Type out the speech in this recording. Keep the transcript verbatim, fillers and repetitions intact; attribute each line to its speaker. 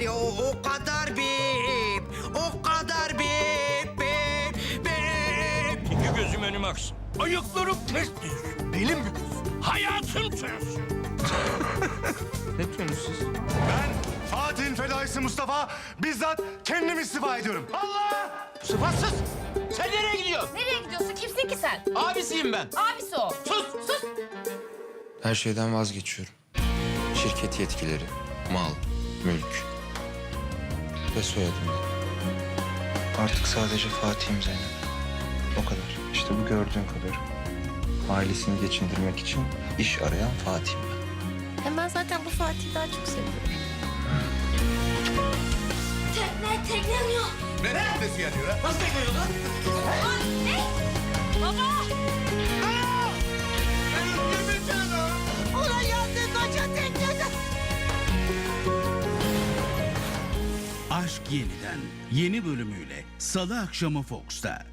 Speaker 1: ya o, o kadar bip. O kadar bip bip bip.
Speaker 2: İki gözüm önüme aksın. Ayaklarım ters düz. Belim bükülsün. Hayatım ters.
Speaker 3: Ne diyorsunuz siz?
Speaker 4: Ben Fatih'in fedaisi Mustafa bizzat kendim istifa ediyorum. Allah!
Speaker 3: Sıfatsız! Sen nereye gidiyorsun?
Speaker 5: Nereye gidiyorsun? Kimsin ki sen?
Speaker 3: Abisiyim ben.
Speaker 5: Abisi o.
Speaker 3: Sus!
Speaker 5: Sus.
Speaker 6: Her şeyden vazgeçiyorum. Şirket yetkileri, mal, mülk ve soyadımdan. Artık sadece Fatih'im Zeynep. O kadar. İşte bu gördüğün kadar. Ailesini geçindirmek için iş arayan Fatih'im ben.
Speaker 5: Hem ben zaten bu Fatih'i daha çok seviyorum. Tekne, tekne yanıyor.
Speaker 4: Ne teknesi yanıyor ha?
Speaker 3: Nasıl bekliyorsun lan?
Speaker 5: Anne! Baba! Ulan yandı koca teknede.
Speaker 7: Aşk Yeniden yeni bölümüyle Salı akşamı Fox'ta.